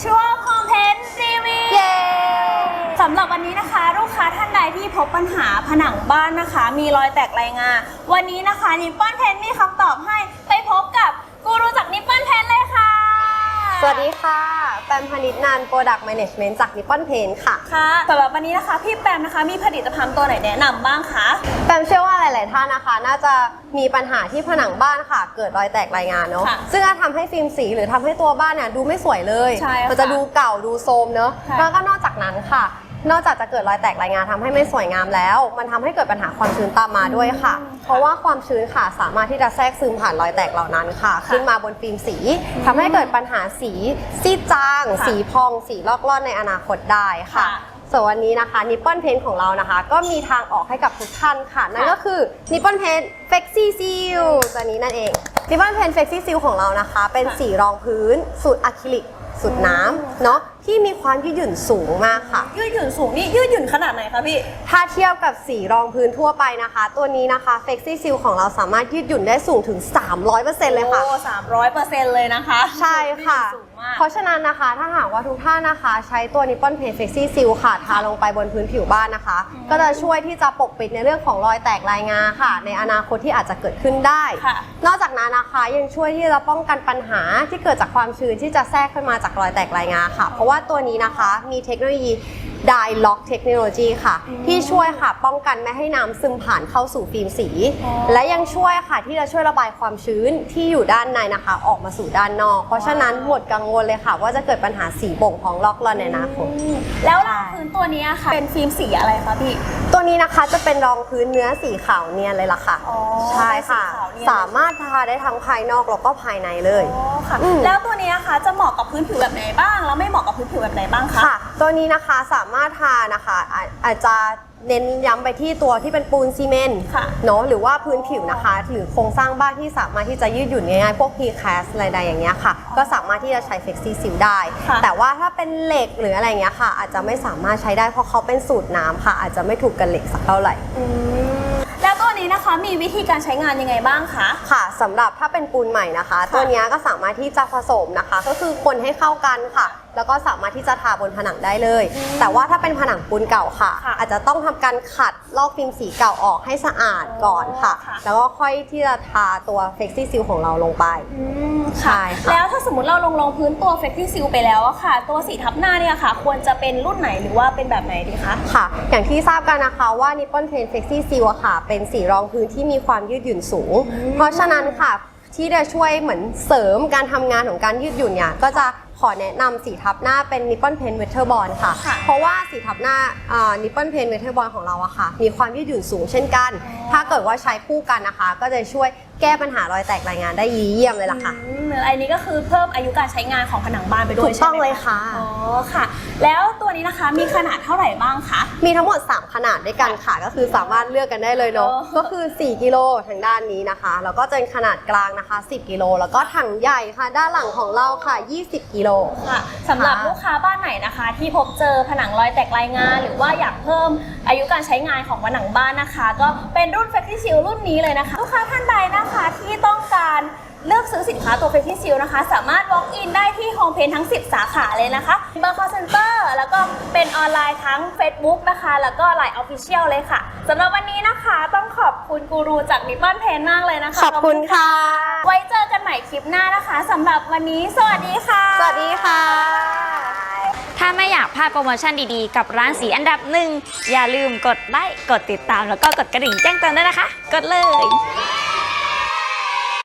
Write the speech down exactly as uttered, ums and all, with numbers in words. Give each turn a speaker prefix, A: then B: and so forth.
A: ช่วงคอมเพนรีวิว
B: เย้
A: สำหรับวันนี้นะคะลูกค้าท่านใดที่พบปัญหาผนังบ้านนะคะ มีรอยแตกรายงาวันนี้นะคะนิปปอนเพนมีคำตอบให้ไปพบกับกูรูจากนิปปอนเพนเลยค่ะ
B: สวัสดีค่ะแปมพนิษฐ์นันท์ Product Management จาก Nippon Paint ค่ะ
A: ค่ะสำหรับวันนี้นะคะพี่แปมนะคะมีผลิตภัณฑ์ตัวไหนแนะนำบ้างคะ
B: แปมเชื่อว่าหลาย ๆ ท่านนะคะน่าจะมีปัญหาที่ผนังบ้านค่ะเกิดรอยแตกรายงานเนาะซึ่งจะทำให้ฟิล์มสีหรือทำให้ตัวบ้านเนี่ยดูไม่สวยเลยมันจะดูเก่าดูโทรมเนาะแล้วก็นอกจากนั้นค่ะนอกจากจะเกิดรอยแตกรายงานทำให้ไม่สวยงามแล้วมันทำให้เกิดปัญหาความชื้นตามมาด้วยค่ะเพราะว่าความชื้นค่ะสามารถที่จะแทรกซึมผ่านรอยแตกเหล่านั้นค่ะขึ้นมาบนฟิล์มสีทำให้เกิดปัญหาสีซีดจางสีพองสีลอกล่อนในอนาคตได้ค่ะส่วนวันนี้นะคะ Nippon Paint ของเรานะคะก็มีทางออกให้กับทุกท่านค่ะนั่นก็คือ Nippon Paint Flexi Seal ตัวนี้นั่นเอง Nippon Paint Flexi Seal ของเรานะคะเป็นสีรองพื้นสูตรอะคริลิกสูตรน้ำเนาะที่มีความยืดหยุ่นสูงมากค่ะ
A: ยืดหยุ่นสูงนี่ยืดหยุ่นขนาดไหนคะพี่
B: ถ้าเทียบกับสีรองพื้นทั่วไปนะคะตัวนี้นะคะ Flexi Seal ของเราสามารถยืดหยุ่นได้สูงถึง สามร้อยเปอร์เซ็นต์ เลยค่ะ
A: โอ้ สามร้อยเปอร์เซ็นต์ เลยนะคะ
B: ใช่ค่ะเพราะฉะนั้นนะคะถ้าหากว่าทุกท่านนะคะใช้ตัว Nippon Paint Flexi Seal ค่ะทาลงไปบนพื้นผิวบ้านนะคะก็จะช่วยที่จะปกปิดในเรื่องของรอยแตกรายงาค่ะในอนาคตที่อาจจะเกิดขึ้นได้นอกจากนั้นนะคะยังช่วยที่จะป้องกันปัญหาที่เกิดจากความชื้นที่จะแทรกขึ้นมาจากรอยแตกรายงาค่ะเพราะว่าตัวนี้นะคะมีเทคโนโลยี Dye Lock Technology ค่ะที่ช่วยค่ะป้องกันไม่ให้น้ำซึมผ่านเข้าสู่ฟิล์มสีและยังช่วยค่ะที่จะช่วยระบายความชื้นที่อยู่ด้านในนะคะออกมาสู่ด้านนอกเพราะฉะนั้นหมดกังวลเลยค่ะว่าจะเกิดปัญหาสีบ่งพองลอกล่อนในอนาคต
A: แล้วรองพื้นตัวนี้ค่ะเป็นฟิล์มสีอะไรคะพี่
B: ตัวนี้นะคะจะเป็นรองพื้นเนื้อสีขาวเนียนเลยล่ะค่ะใช่ค่ะสามารถทาได้ทั้งภายนอกแล้วก็ภายในเลย
A: ค่ะแล้วตัวนี้นะคะจะเหมาะกับพื้นผิวแบบไหนบ้างแล้วไม่เหมาะกับพื้นผิวแบบไหนบ้างคะ
B: ค่ะตัวนี้นะคะสามารถทานะคะอาจจะเน้นย้ำไปที่ตัวที่เป็นปูนซีเมนต์เนาะหรือว่าพื้นผิวนะคะหรือโครงสร้างบ้านที่สามารถที่จะยืดหยุ่นง่ายๆพวก Precast อะไรใดอย่างเงี้ยค่ะก็สามารถที่จะใช้ Flexi Seal ได้แต่ว่าถ้าเป็นเหล็กหรืออะไรเงี้ยค่ะอาจจะไม่สามารถใช้ได้เพราะเขาเป็นสูตรน้ำค่ะอาจจะไม่ถูกกับเหล็กสักเท่าไหร่
A: แล้วตัวนี้นะคะมีวิธีการใช้งานยังไงบ้างคะ
B: ค่ะสำหรับถ้าเป็นปูนใหม่นะคะตัวนี้ก็สามารถที่จะผสมนะคะก็คือคนให้เข้ากันค่ะแล้วก็สามารถที่จะทาบนผนังได้เลยแต่ว่าถ้าเป็นผนังปูนเก่าค่ะอาจจะต้องทำการขัดลอกฟิล์มสีเก่าออกให้สะอาดก่อนค่ะแล้วก็ค่อยที่จะทาตัว Flexi Seal ของเราลงไป
A: ใช่แล้วถ้าสมมติเราลงรองพื้นตัว Flexi Seal ไปแล้วอะค่ะตัวสีทับหน้าเนี่ยค่ะควรจะเป็นรุ่นไหนหรือว่าเป็นแบบไหนดีคะ
B: ค่ะอย่างที่ทราบกันนะคะว่า Nippon Paint Flexi Seal อะค่ะเป็นสีรองพื้นที่มีความยืดหยุ่นสูงเพราะฉะนั้นค่ะที่จะช่วยเหมือนเสริมการทำงานของการยืดหยุ่นเนี่ยก็จะขอแนะนำสีทับหน้าเป็น Nippon Paint Weatherbond ค่ะเพราะว่าสีทับหน้า Nippon Paint Weatherbond ของเราอะค่ะมีความยืดหยุ่นสูงเช่นกันถ้าเกิดว่าใช้คู่กันนะคะก็จะช่วยแก้ปัญหารอยแตกรายงานได้ดีเยี่ยมเลยล่ะค่ะ
A: อันนี้ก็คือเพิ่มอายุการใช้งานของผนังบ้านไปด้วย
B: ใช่ไหมถูกต้องเลยค่ะ
A: อ๋อค่ะแล้วตัวนี้นะคะมีขนาดเท่าไหร่บ้างคะ
B: มีทั้งหมดสามขนาดด้วยกันค่ะก็คือสามารถเลือกกันได้เลยเนาะก็คือสี่กิโลทางด้านนี้นะคะแล้วก็จะเป็นขนาดกลางนะคะสิบกิโลแล้วก็ถังใหญ่ค่ะด้านหลังของเราค่ะยี่สิบกิโล
A: ค่ะสำหรับลูกค้าบ้านไหนนะคะที่พบเจอผนังรอยแตกรายงานหรือว่าอยากเพิ่มอายุการใช้งานของผนังบ้านนะคะก็เป็นรุ่น Flexi Seal รุ่นนี้เลยนะคะลูกค้าท่านใดนะคะที่ต้องการเลือกซื้อสินค้าตัว Flexi Seal นะคะสามารถ walk in ได้ที่ Home Paint ทั้งสิบสาขาเลยนะคะเบอร์ call center แล้วก็เป็นออนไลน์ทั้ง Facebook นะคะแล้วก็ ไลน์ Official เลยค่ะสำหรับวันนี้นะคะต้องขอบคุณกูรูจาก Nippon Paint มากเลยนะคะ
B: ขอบคุณค่ะ
A: ไว้เจอกันใหม่คลิปหน้านะคะสำหรับวันนี้สวัสดีค่ะ
B: สวัสดีค่ะ
C: ถ้าไม่อยากพลาดโปรโมชั่นดีๆกับร้านสีอันดับหนึ่งอย่าลืมกดไลค์กดติดตามแล้วก็กดกระดิ่งแจ้งเตือนด้วยนะคะกดเลย